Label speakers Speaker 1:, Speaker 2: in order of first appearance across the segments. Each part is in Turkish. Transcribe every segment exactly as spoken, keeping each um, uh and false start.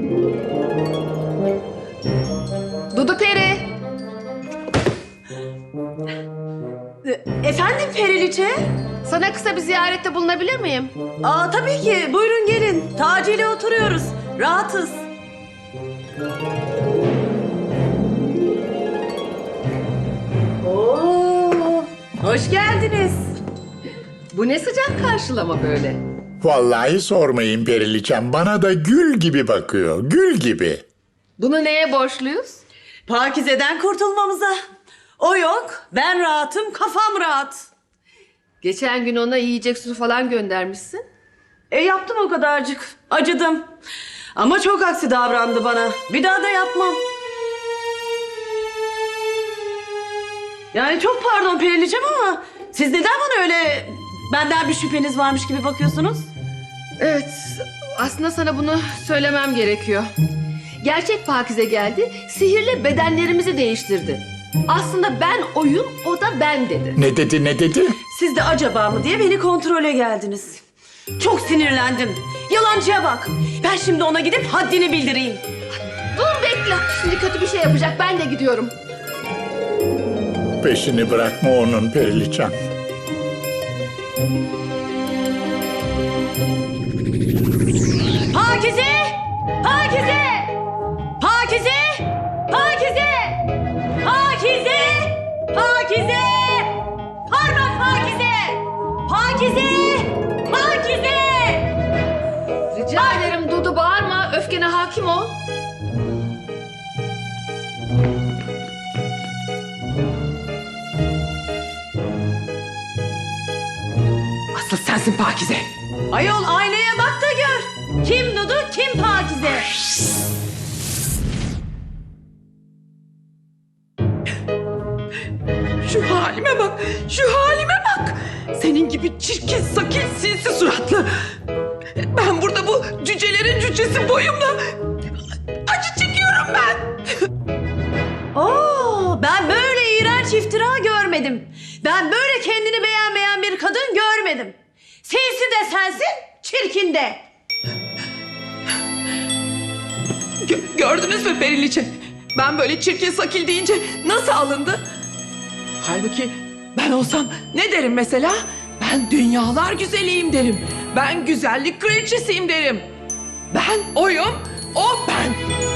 Speaker 1: Dudu Peri.
Speaker 2: Efendim Periliçe?
Speaker 1: Sana kısa bir ziyarette bulunabilir miyim?
Speaker 2: Aa tabii ki. Buyurun gelin. Taci ile oturuyoruz. Rahatız. Oo, hoş geldiniz.
Speaker 1: Bu ne sıcak karşılama böyle?
Speaker 3: Vallahi sormayın Periliçem, bana da gül gibi bakıyor, gül gibi.
Speaker 1: Bunu neye borçluyuz?
Speaker 2: Pakize'den kurtulmamıza. O yok. Ben rahatım. Kafam rahat.
Speaker 1: Geçen gün ona yiyecek su falan göndermişsin.
Speaker 2: E yaptım o kadarcık. Acıdım. Ama çok aksi davrandı bana. Bir daha da yapmam. Yani çok pardon Periliçem ama siz neden bana öyle benden bir şüpheniz varmış gibi bakıyorsunuz?
Speaker 1: Evet, aslında sana bunu söylemem gerekiyor. Gerçek Pakize geldi, sihirle bedenlerimizi değiştirdi. Aslında ben oyun, o da ben dedi.
Speaker 3: Ne dedi, ne dedi?
Speaker 2: Siz de acaba mı diye beni kontrole geldiniz. Çok sinirlendim. Yalancıya bak. Ben şimdi ona gidip haddini bildireyim.
Speaker 1: Dur bekle, şimdi kötü bir şey yapacak, ben de gidiyorum.
Speaker 3: Peşini bırakma onun Periliçem.
Speaker 2: Pakize! Pakize! Pakize! Pakize! Pakize! Pakize! Pardon Pakize! Pakize! Pakize!
Speaker 1: Rica ederim Dudu, bağırma, öfkene hakim ol.
Speaker 4: Asıl sensin Pakize.
Speaker 2: Ayol aynaya bak da gör. Kim Dudu, kim Pakize?
Speaker 4: Şu halime bak, şu halime bak. Senin gibi çirkin, sakil, sinsi suratlı. Ben burada bu cücelerin cücesi boyumla acı çekiyorum ben.
Speaker 2: Oo, ben böyle iğrenç iftira görmedim. Ben böyle kendini beğenmeyen bir kadın görmedim. Sinsi de sensin, çirkin de.
Speaker 4: Gö- gördünüz mü Periliçe? Ben böyle çirkin sakil deyince nasıl alındı? Halbuki ben olsam ne derim mesela? Ben dünyalar güzeliyim derim. Ben güzellik kraliçesiyim derim. Ben oyum, o ben.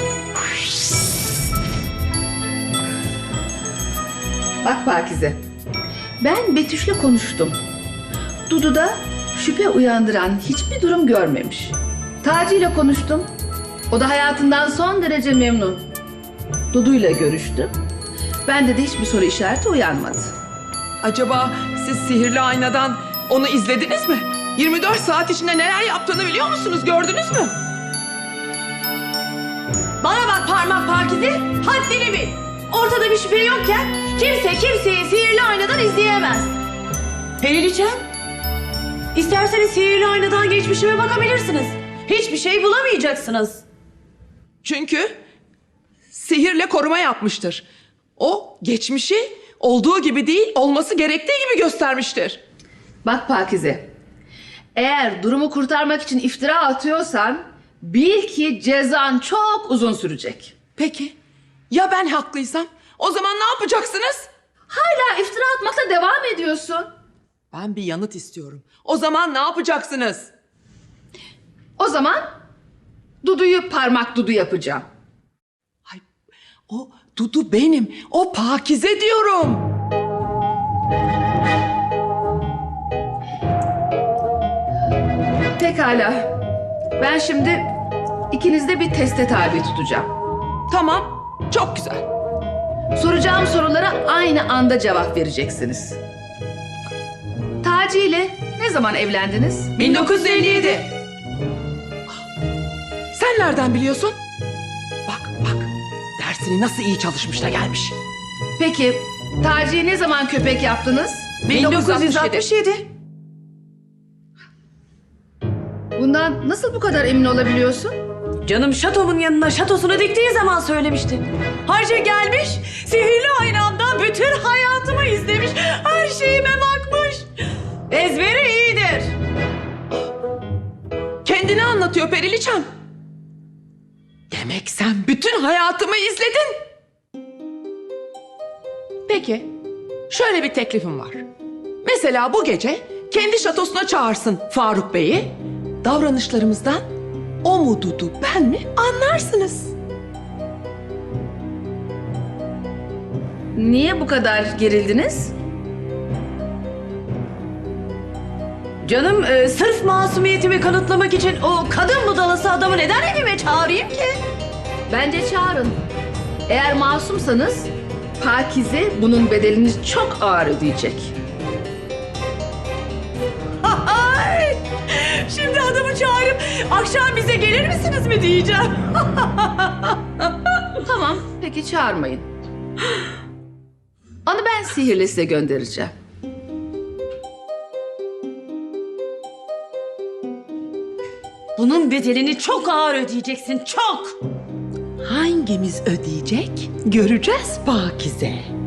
Speaker 1: Bak Pakize, ben Betüş'le konuştum. Dudu'da şüphe uyandıran hiçbir durum görmemiş. Taci ile konuştum. O da hayatından son derece memnun. Dudu'yla görüştüm. Bende de hiçbir soru işareti uyanmadı.
Speaker 4: Acaba siz sihirli aynadan onu izlediniz mi? yirmi dört saat içinde neler yaptığını biliyor musunuz? Gördünüz mü?
Speaker 2: Bana bak parmak Pakize, haddini bil. Ortada bir şüphe yokken kimse kimseyi sihirli aynadan izleyemez. Periliçem, isterseniz sihirli aynadan geçmişime bakabilirsiniz. Hiçbir şey bulamayacaksınız.
Speaker 4: Çünkü sihirle koruma yapmıştır. O geçmişi olduğu gibi değil, olması gerektiği gibi göstermiştir.
Speaker 1: Bak Pakize, eğer durumu kurtarmak için iftira atıyorsan bil ki cezan çok uzun sürecek.
Speaker 4: Peki, ya ben haklıysam? O zaman ne yapacaksınız?
Speaker 1: Hala iftira atmakla devam ediyorsun.
Speaker 4: Ben bir yanıt istiyorum. O zaman ne yapacaksınız?
Speaker 1: O zaman Dudu'yu parmak Dudu yapacağım.
Speaker 4: Ay, o Dudu benim. O Pakize diyorum.
Speaker 1: Pekala. Ben şimdi ikinizde bir teste tabi tutacağım.
Speaker 4: Tamam, çok güzel.
Speaker 1: Soracağım sorulara aynı anda cevap vereceksiniz. Taci ile ne zaman evlendiniz?
Speaker 4: bin dokuz yüz elli yedi. Sen nereden biliyorsun? Bak bak, dersini nasıl iyi çalışmış da gelmiş.
Speaker 1: Peki Taci'ye ne zaman köpek yaptınız?
Speaker 4: bin dokuz yüz altmış yedi.
Speaker 1: Bundan nasıl bu kadar emin olabiliyorsun?
Speaker 2: Canım şatomun yanına şatosunu diktiği zaman söylemişti. Harca gelmiş, sihirli aynamda bütün hayatımı izlemiş, her şeyime bakmış. Ezberi iyidir.
Speaker 4: Kendini anlatıyor Periliçem. Demek sen bütün hayatımı izledin. Peki, şöyle bir teklifim var. Mesela bu gece kendi şatosuna çağırsın Faruk Bey'i. Davranışlarımızdan o mu Dudu ben mi anlarsınız.
Speaker 1: Niye bu kadar gerildiniz?
Speaker 2: Canım e, sırf masumiyetimi kanıtlamak için o kadın budalası adamı neden evime çağırayım ki?
Speaker 1: Bence çağırın. Eğer masumsanız Pakize bunun bedelini çok ağır ödeyecek.
Speaker 2: Ay! Şimdi adamı çağırıp akşam bize gelir misiniz mi diyeceğim.
Speaker 1: Tamam, peki çağırmayın. Onu ben sihirle size göndereceğim.
Speaker 2: Bunun bedelini çok ağır ödeyeceksin, çok.
Speaker 4: Hangimiz ödeyecek? Göreceğiz Pakize.